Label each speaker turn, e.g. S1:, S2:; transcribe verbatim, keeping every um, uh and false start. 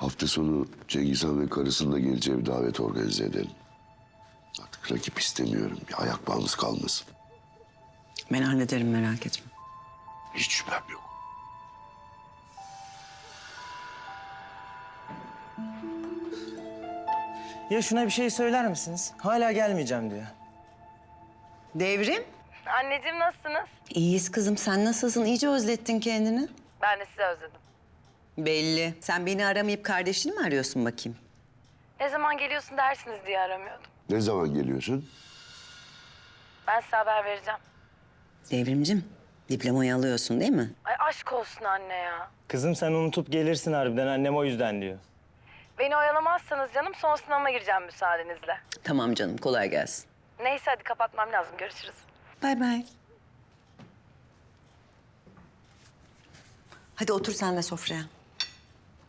S1: Hafta sonu Cengiz Han ve karısının da geleceği bir davet organize edelim. Artık rakip istemiyorum. Bir ayak bağımız kalmasın.
S2: Ben hallederim, merak etme.
S1: Hiç şüphem yok.
S3: Ya şuna bir şey söyler misiniz? Hala gelmeyeceğim diyor.
S2: Devrim.
S4: Anneciğim nasılsınız?
S2: İyiyiz kızım. Sen nasılsın? İyice özlettin kendini.
S4: Ben de sizi özledim.
S2: Belli. Sen beni aramayıp kardeşini mi arıyorsun bakayım?
S4: Ne zaman geliyorsun dersiniz diye aramıyordum.
S1: Ne zaman geliyorsun?
S4: Ben size haber vereceğim.
S2: Devrimcim, diplomayı alıyorsun değil mi?
S4: Ay aşk olsun anne ya.
S3: Kızım sen unutup gelirsin harbiden, annem o yüzden diyor.
S4: Beni oyalamazsanız canım son sınavıma gireceğim müsaadenizle.
S2: Tamam canım, kolay gelsin.
S4: Neyse hadi kapatmam lazım. Görüşürüz.
S2: Bay bay. Hadi otur sen de sofraya.